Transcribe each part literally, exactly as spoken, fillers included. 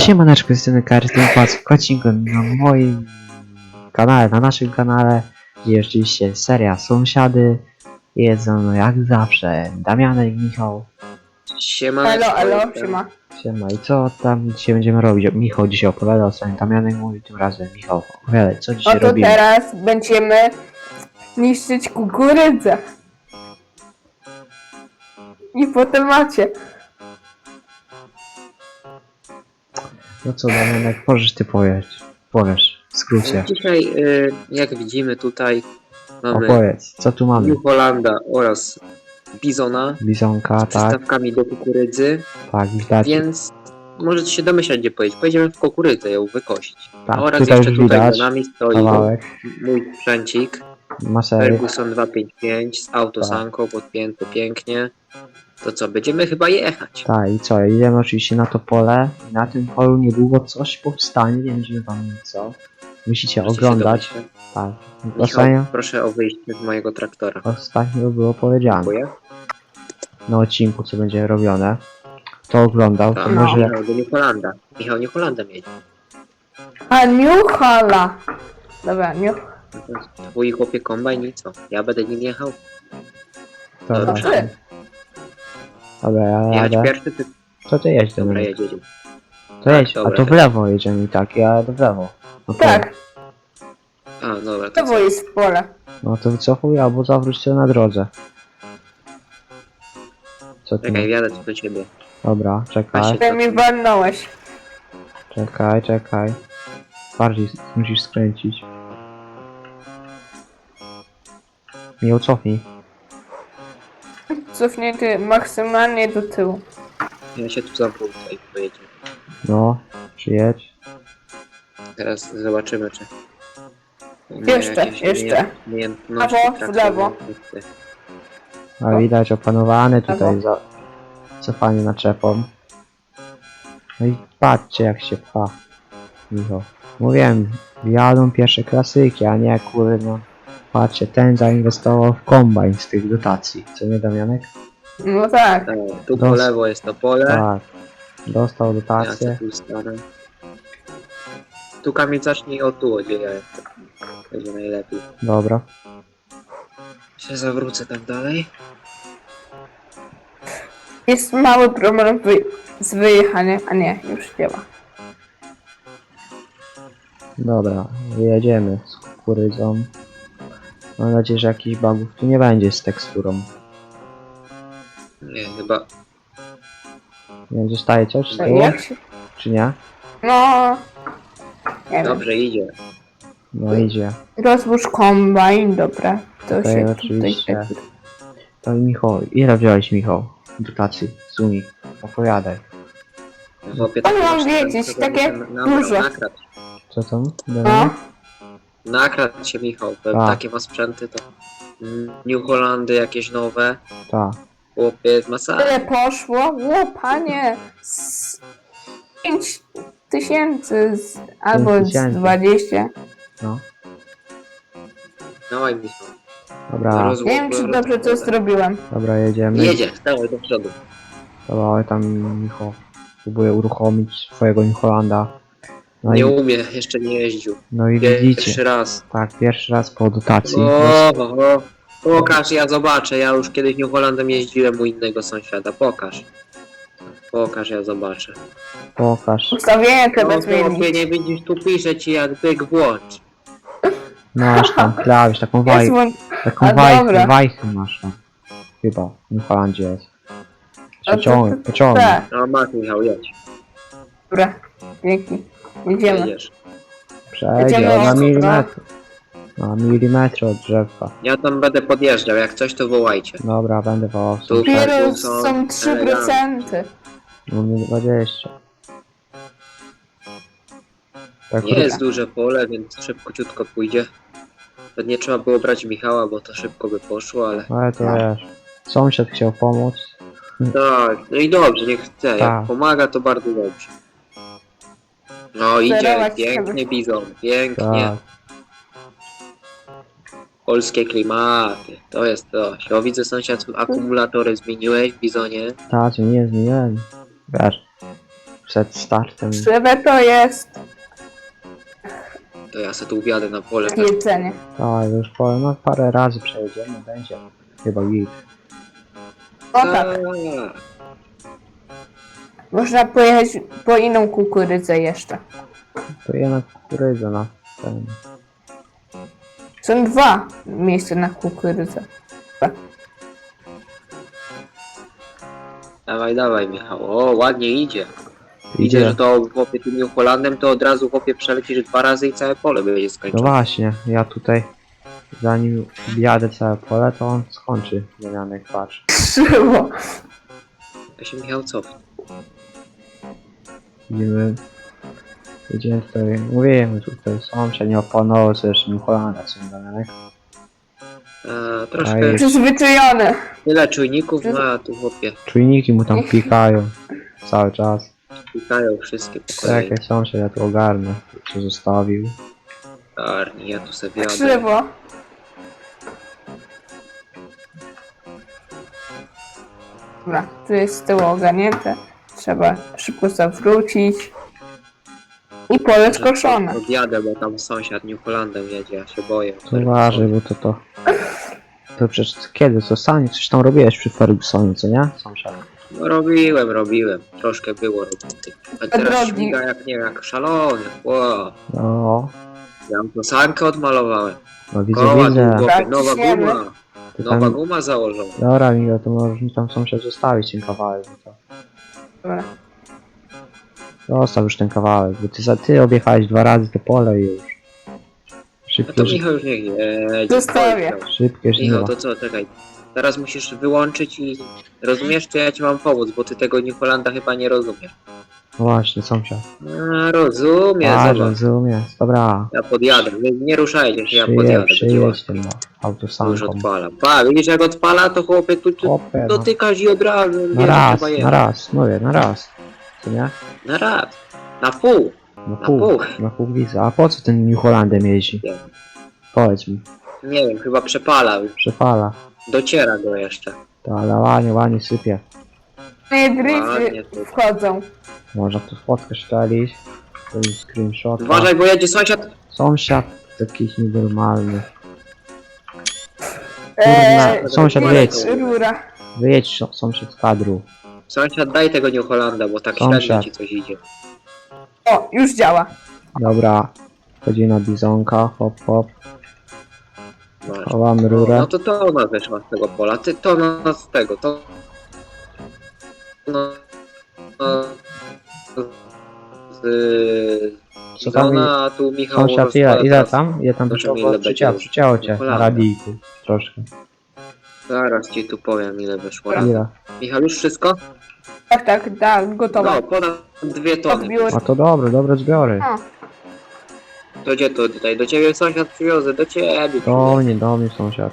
Siemaneczko, jestem Karty Kocinku na moim kanale, na naszym kanale, gdzie oczywiście seria Sąsiady. Jedzą no jak zawsze Damianek i Michał. Siema. Elo, elo, siema. Siema, i co tam dzisiaj będziemy robić? Michał dzisiaj opowiadał, co Damianek mówi, tym razem Michał opowiadaj, co dzisiaj Oto robimy? teraz będziemy niszczyć kukurydzę. I potem macie. No co Damianek, możesz ty powiedzieć, powiesz, w skrócie, Dzisiaj, y, jak widzimy tutaj, mamy opowiedz, co tu mamy? New Hollanda oraz Bizona Bizonka, z tak, przystawkami do kukurydzy, tak, widać, więc możecie się domyślać, gdzie pojedziemy. Pojedziemy w kukurydzę ją wykosić. tak, Oraz tutaj jeszcze już tutaj widać, za nami stoi kawałek, mój sprzęcik masery, Ferguson dwieście pięćdziesiąt pięć z autosanką podpięty pięknie. To co, będziemy chyba jechać. tak, i co, idziemy oczywiście na to pole. Na tym polu niedługo coś powstanie, nie będziemy wam co. Musicie Możecie się oglądać. domyśleć. Tak. Michał, Ostatnio, proszę o wyjście z mojego traktora. ostatnio było powiedziane Dziękuję. na odcinku, co będzie robione. Kto oglądał, to Tak, może... Michał do New Hollanda. Michał New Hollanda jedzie. A New Hala. Dobra, New... Twój chłopie kombajn i co? Ja będę nim jechał? Dobra, Dobrze. Ty. dobra, ja Jechać jadę. pierwszy, ty... Co ty jedź do Dobra, mnie? jedziemy. To jedź, a dobra, to w tak. lewo jedziemy i tak, ja jadę w lewo. No to, Tak, A, dobra, to to co? było jest pole. no to wycofuj albo zawróć się na drodze. Co ty? Czekaj, jadę tu do ciebie. Dobra, czekaj, Właśnie. Ty mi walnąłeś. czekaj, czekaj. Bardziej musisz skręcić. Nie cofnij. Cofnięty maksymalnie do tyłu. Ja się tu zawrócę i pojedziemy. No, przyjedź. Teraz zobaczymy, czy... nie Jeszcze, jakieś jeszcze. umiejęt- umiejętności Prawo, w traktora. lewo. A widać opanowany tutaj Lewo. za cofanie naczepą. No i patrzcie jak się pcha. Michał. Mówiłem, jadą pierwsze klasyki, a nie kurno. Patrzcie, ten zainwestował w kombajn z tych dotacji. Co nie Damianek? No tak. Tak, tu po Dos- lewo jest to pole. Tak. Dostał Ja dotację. tu stanę. Tu Kamil zacznij o tu, gdzie ja jestem. Będzie najlepiej. Dobra. Się zawrócę tak dalej. Jest mały problem wy... z wyjechaniem. A nie, już działa. Dobra, jedziemy z kukurydzą. Mam nadzieję, że jakichś bugów tu nie będzie z teksturą. Nie, chyba... Nie wiem, zostaje coś z No, tyłu, jak się... czy nie? No... Nie wiem. Dobrze idzie. No idzie. Rozłóż kombajn, dobra. To Okej, się oczywiście. tutaj... To i Michał, ile wziąłeś Michał? Dotacji z Unii. Opowiadaj. Chłopie, Ale mam masz wiedzieć, sprzęt, takie to na- dużo. Nakradł, Co tam? No. nakradł się Michał. Powiem, Tak. takie ma sprzęty to... New Hollandy jakieś nowe. Tak. Chłopie, jest masakra. Tyle poszło? O, panie! Z pięć tysięcy z, albo z tysięcy. dwadzieścia. No. Dawaj Michał. Dobra, Roz- Nie wiem, czy dobrze to zrobiłem. dobra, jedziemy. Jedzie, dawaj do przodu. Dobra, ale tam Michał próbuje uruchomić swojego New Hollanda. No Nie i, umie, jeszcze nie jeździł. no i Pierwszy widzicie. raz. Tak, pierwszy raz po dotacji. O, o, o. Pokaż, ja zobaczę. Ja już kiedyś New Hollandem jeździłem u innego sąsiada. Pokaż. Pokaż, ja zobaczę. Pokaż. Ustawienie No, chyba chłopie, zmienić. nie widzisz, tu pisze ci jak byk włącz. Masz tam klawisz, taką Jest waj, włą- taką a wajchę, dobra. wajchę masz tam. Chyba, w New Hollandzie jest. A to- Przeciągnij, to- pociągnij. Tak, No masz Michał, jedź. dobra. Dzięki. Jedziemy. Jedziesz. Przejdzie Jedziemy na ostro. milimetr. Na milimetr od drzewka. Ja tam będę podjeżdżał, jak coś to wołajcie. Dobra, będę wołał. Tu Super. Dopiero są są trzy procent. U mnie dwadzieścia. Tak, Nie jest duże pole, więc szybciutko pójdzie. Pewnie trzeba było brać Michała, bo to szybko by poszło, ale... ale to wiesz. Sąsiad chciał pomóc. Tak, no i dobrze, niech chce. Tak. Jak pomaga, to bardzo dobrze. No idzie, Sterować pięknie trzeba. bizon, pięknie. Tak. Polskie klimaty, to jest to. O, widzę sąsiad, akumulatory zmieniłeś w bizonie. Tak, nie zmieniłem. Wiesz. przed startem. Krzywe to jest To ja se tu wjadę na pole. jedzenie. Tak, już powiem, no parę razy przejedziemy, będzie chyba git. O tak, można pojechać po inną kukurydzę jeszcze. To jednak kukurydza na ten. Są dwa miejsca na kukurydzę. Dawaj, dawaj Michał. O, ładnie idzie. Idzie, Idzie. że to chłopie tym New Hollandem, to od razu chłopie przelecisz dwa razy i całe pole będzie No skończone. właśnie, ja tutaj zanim wjadę całe pole, to on skończy zmienianek, patrz. Krzywo. Ja się Michał cofnę. Idziemy. Idziemy tutaj, mówimy tutaj, sąsiad nie opanował sobie jeszcze New Hollanda, co nie zmienianek. Eee, troszkę Ej. Przyzwyczajony. tyle czujników ma, a tu chłopie Czujniki mu tam pikają cały czas. pikają wszystkie po kolei. Czekaj sąsiad, ja tu ogarnę, co zostawił. Arni, ja tu sobie jadę. Krzywo. Dobra, tu jest z tyłu ogarnięte. Trzeba szybko zawrócić. I pole skoszone. Odjadę, bo tam sąsiad New Hollandem jedzie, ja się boję. To uważaj, bo to to... To przecież kiedy, co sami coś tam robiłeś przy Fergusonie, co nie? Sąsiad. No robiłem, robiłem. Troszkę było roboty. A teraz Drogi. śmiga jak nie, jak szalony. Wow. No, Ja to sankę odmalowałem. no widzę, Koła tu widzę. chłopie, Tak, nowa ciśniemy. guma. Ty Nowa tam... guma założona. Dobra, Migo, to możesz mi tam sąsiad zostawić ten kawałek, bo to... Dobra. Zostaw już ten kawałek, bo ty, za, ty objechałeś dwa razy to pole i już. No to Szybkie, ż- Michał już niech jedzie. Zostawię. szybkie Michał, żniwa. to co, czekaj. Teraz musisz wyłączyć i... Rozumiesz, czy ja ci mam pomóc, bo ty tego New Hollanda chyba nie rozumiesz. No właśnie, sąsiad. A, rozumiem, A, zobacz. rozumiem. Dobra. Ja podjadę. Nie, nie ruszajcie się, ja Przyjedź, podjadę. Będzie przyjedź łatwiej. tym no, Już autosanką. odpala. Pa, widzisz jak odpala, to chłopie tu, tu Chłopie, no. dotykasz i od razu Na wiesz, raz, trzeba na jechać. raz, mówię, na raz. Co nie? Na raz. Na pół. Na pół, pół. na pół widzę. A po co ten New Hollandem jeździ? Nie. Powiedz mi. Nie wiem, chyba przepala. Przepala. Dociera go jeszcze. To ale ładnie, ładnie sypie. Moje Ładnie gryzy tu. wchodzą. Można tu fotkę szczelić. To jest screenshot. Uważaj, bo jedzie sąsiad. Sąsiad jakiś nienormalny. Eee, sąsiad jest wyjedź. rura. Wyjedź są- sąsiad z kadru. Sąsiad, daj tego New Hollanda, bo tak Sąsiad. średnio ci coś idzie. O, już działa. Dobra. Chodzi na bizonka, hop hop. Masz. Chowamy rurę. No to to ona wyszła z tego pola. Ty to ona z tego, to... No... no z... Co tam Ona, a tu Michał Sąsiad, ile, rozkłada ile teraz. tam? Ile tam Zobaczymy, wyszło? ile Przyciało, będzie przyciało cię na Holanda. radijku. Troszkę. Zaraz ci tu powiem ile wyszło. Ile? Michał, już wszystko? Tak, tak, tak, gotowe. No, ponad dwie tony. Odbiór. A to dobre, dobre zbiory. O, To gdzie to tutaj? Do ciebie sąsiad przywiozę, do ciebie. Do mnie, do mnie sąsiad.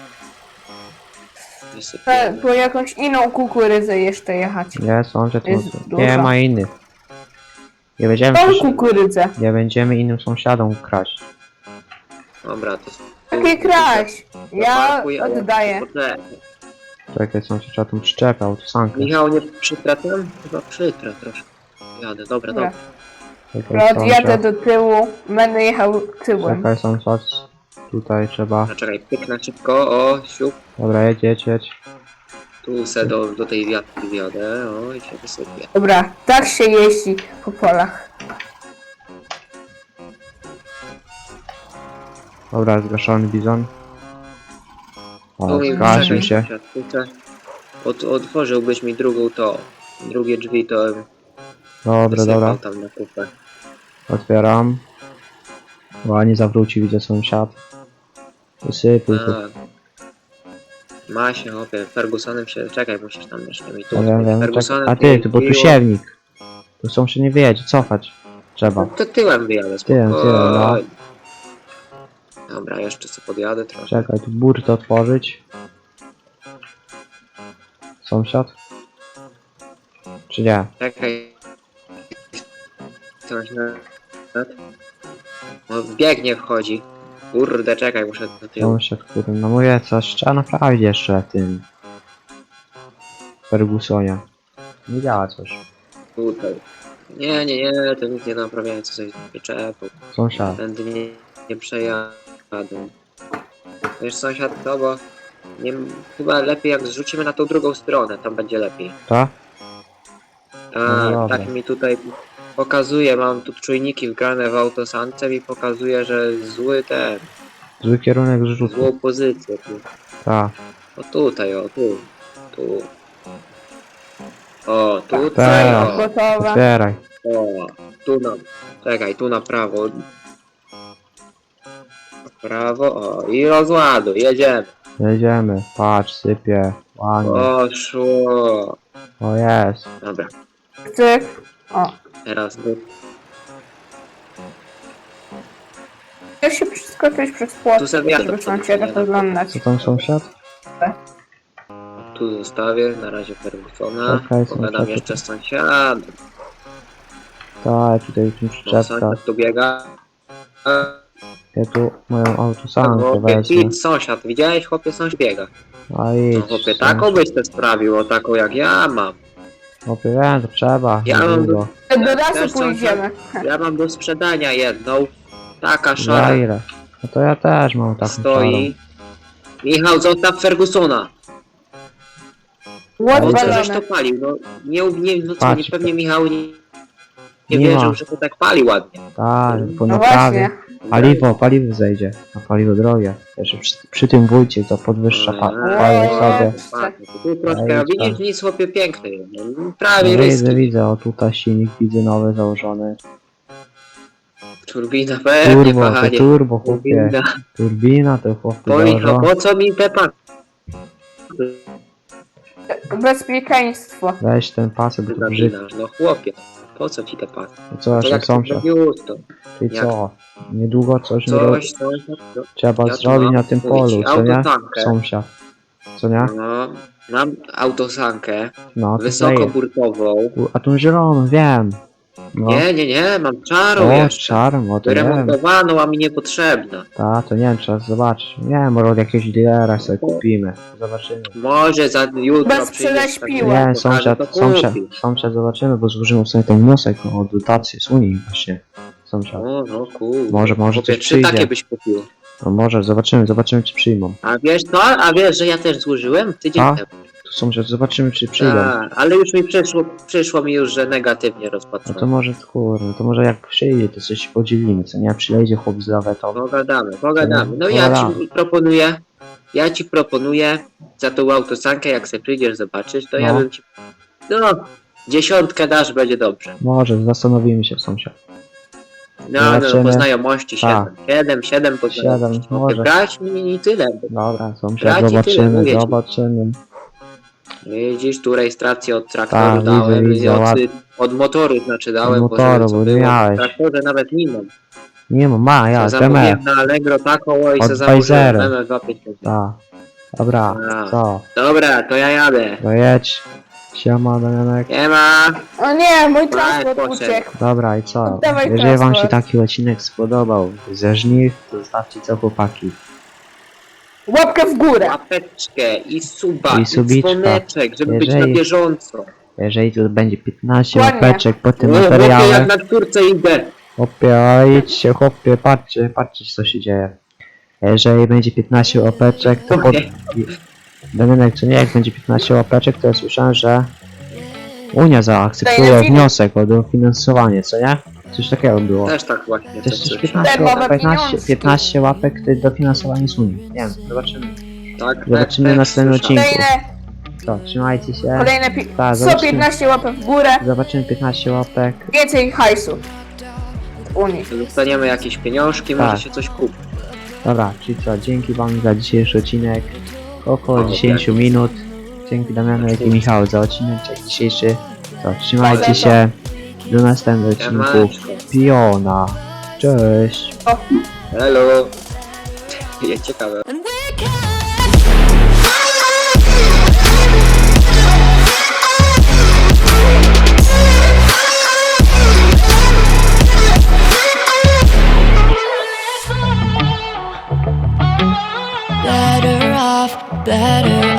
e, po jakąś inną kukurydzę jeszcze jechać. Nie, sąsiad, Jest mocno. duża. Nie ma innych. Nie będziemy, Tą przecież- kukurydzę. nie będziemy innym sąsiadom kraść. Dobra, to... Takie kraść. Ja Zaparkuj, a oddaję. poczekaj. Czekaj, sąsiad, trzeba tą przyczepę, autosankę. Michał, nie przytra tam? Chyba przytra troszkę. Jadę, dobra, Dobra. dobra. Czekaj, Odjadę sąsiad. do tyłu. Będę jechał tyłem. Czekaj, sąsiad. Tutaj trzeba. No czekaj, pyknę szybko, o, siup. Dobra, jedź, jedź, jedź. Tu se do, do tej wiatki wiodę, o, i się wysypie. Dobra, tak się jeździ po polach. Dobra, zgaszony bizon. O, Tu mi zgasił się. sąsiad, tutaj. Od, otworzyłbyś mi drugą to, drugie drzwi to bym Dobra, wysypał dobra. tam na kupę. Otwieram. Ładnie zawróci, widzę sąsiad. Wysypuj tu. A. Ma się, chłopie, Fergusonem się, czekaj, musisz tam jeszcze mi tu. Ja wiem, wiem. Czekaj. Fergusonem A ty, tu bo tu jeździło. siewnik. Tu sąsiad nie wyjedzie, cofać. Trzeba. No to tyłem wyjadę, Tyłem, spokojnie. tyłem, no. Dobra, jeszcze sobie podjadę trochę. Czekaj, tu burtę otworzyć. Sąsiad? Czy nie? Czekaj. Coś na... No biegnie wchodzi. Kurde, czekaj, muszę do tyłu. Sąsiad, który, no mówię, coś trzeba naprawić jeszcze w tym Fergusonie. Nie działa coś. Tutaj. Nie, nie, nie, to nikt nie naprawiają, co sobie przyczepą. Sąsiad. Tędy nie, nie przejadę. Wiesz sąsiad, to bo nie, chyba lepiej jak zrzucimy na tą drugą stronę, tam będzie lepiej. Ta? No Tak, dobra. tak mi tutaj pokazuje, mam tu czujniki wgrane w autosance i pokazuje, że zły ten, Zły kierunek zrzutu. złą pozycję tu. Ta. O tutaj, o tu, tu. O, tutaj, Tak. o, Gotowe. Otwieraj. o, tu na, czekaj, tu na prawo. Na prawo, o, i rozładuj, jedziemy. Jedziemy. Patrz, sypie. Ładnie. Poszło. O jest. Dobra, Cyk. O. teraz tu. Chcesz się przeskoczyć przez płot, Tu sobie żeby jadę sąsiada sobie. oglądać. Co tam sąsiad? Tu zostawię, na razie Fergusona. Okej, Pogadam sąsiad. jeszcze z sąsiadem. Tak, tutaj tu No, przyczepka. sąsiad tu biega. Ja tu moją autosankę Chłopie, wezmę. idź, sąsiad, widziałeś? Chłopie, sąsiad biega. A No idź. chłopie, taką byś te sprawił, o taką jak ja mam. Chłopie, wiem, to trzeba. Ja mam Niedługo. Do lasu Też pójdziemy. Ja mam do sprzedania jedną. Taka Za szara ile? No to ja też mam taką stoi. Michał, zostaw Fergusona. Łot Po co żeś balony. to palił? No nie, nie, no co, Patrz, nie pewnie Michał nie, nie nie wierzył, ma. że to tak pali ładnie. Tak, po No naprawie. właśnie. Paliwo, paliwo zejdzie. A paliwo drogie. Jeszcze przy, przy tym wójcie to podwyższa pa, Eee, paliwo sobie. patrz, Tu troszkę, Ej, a widzisz, tak. nic chłopie piękny. No, No, prawie widzę, ryski. widzę. O tutaj silnik widzę nowy założony. Turbina pewnie, Turbo, to panie. turbo, chłopie. Turbina. Turbina to chłopie Po, Michał, założona. po co mi te pan? Bezpieczeństwo. Weź ten pasek tu brzydki. Zapinasz? No chłopie, po co ci te pan? Co To jeszcze jak sąsiad? to to Ty jak- co? Niedługo coś, nie ro... Coś, coś, no, trzeba ja tu zrobić mam, na tym mówię ci, polu, co nie? autotankę. Sąsiad. Co nie? no, mam autosankę, No, to daje. wysokoburtową. U, a tą zieloną, wiem. No. Nie, nie, nie, mam czarą O, jeszcze. czarno, to nie wiem. Wyremontowaną, a mi niepotrzebna. Ta, to nie wiem, trzeba zobaczyć. Nie wiem, może od jakiegoś dealera sobie kupimy. Zobaczymy. Może za jutro Bez przyjdziesz, prześpiła. tak, Nie, pokażę, sąsiad, to sąsiad, kupisz. sąsiad zobaczymy, bo złożymy sobie ten wniosek o dotację z Unii właśnie. Sąsiad. O, no kurde. Może- może Chłopie, coś trzy przyjdzie. takie byś kupił. No może, zobaczymy, zobaczymy czy przyjmą. A wiesz co? A wiesz, że ja też złożyłem tydzień A? temu. Tu sąsiad, zobaczymy czy przyjdą. A, ale już mi przyszło, przyszło mi już, że negatywnie No rozpatrzone. to może, kurde, to może jak przyjdzie, to coś się podzielimy, co nie? Przyjdzie chłop z lawetą. Pogadamy, pogadamy. No ja Pogadamy. ci proponuję, ja ci proponuję za tą autosankę, jak se przyjdziesz zobaczyć, to ja No. bym ci... No, dziesiątkę dasz, będzie dobrze. Może, zastanowimy się sąsiad. No, no, Zobaczymy. po znajomości Tak. siedem. Siedem, siedem po Siedem, znajomości. może. Brać mi i tyle. Dobra, sąsiad, Braci, tyle, zobaczymy, mówię ci. zobaczymy. Widzisz, tu rejestrację od traktoru Tak, widzę, dałem, widzę, od, ładnie. od motoru znaczy dałem, Od bo żeby motoru, co bo było. miałeś. W traktorze nawet nie mam. Nie ma, ma, ja, Ja T M F. zamówiłem na Allegro taką i Od se założyłem Pfizera. M F dwa pięćdziesiąt. Tak. Dobra, A. co? Dobra, to ja jadę. To jedź. Siema, Damianek. Nie ma. O nie, mój Daj, transport poszedł. uciekł. Dobra, i co? Oddawaj Jeżeli wam się transport. taki odcinek spodobał ze żniw, to zostawcie co chłopaki. Łapkę w górę. Łapeczkę i suba, I i, subiczka. dzwoneczek, żeby być Jeżeli- na bieżąco. Jeżeli tu będzie piętnaście Ładnie. łapeczek po tym No, chłopie, materiale, jak na czwórce idę. chłopie, ale idźcie, chłopie, patrzcie, patrzcie co się dzieje. Jeżeli będzie piętnaście łapeczek, to pod... i- Damianek, co nie, jak będzie piętnaście łapeczek, to ja słyszałem, że Unia zaakceptuje Daję film. wniosek o dofinansowanie, co nie? Coś takiego było. Też tak właśnie. Też to coś słyszałem. piętnaście, Darmowe piętnaście, pieniążki. piętnaście łapek to dofinansowanie z Unii. Nie wiem, zobaczymy. Tak, tak, Zobaczymy tak, na następnym słyszałem. odcinku. Kolejne, To, trzymajcie się. kolejne pi- Tak, sto zobaczymy. piętnaście łapek w górę. Zobaczymy piętnaście łapek. Więcej hajsu. W Unii. Dostaniemy jakieś pieniążki, Tak. może się coś kupi. Dobra, czyli co, dzięki wam za dzisiejszy odcinek. Około O, dziesięć tak. minut. Dzięki Damianek i Michał za odcinek dzisiejszy. To, trzymajcie Polecam. się. Do następnego odcinku. Siemaneczko. Piona. Cześć. O. Hello. Jest ciekawe. And we can better off, better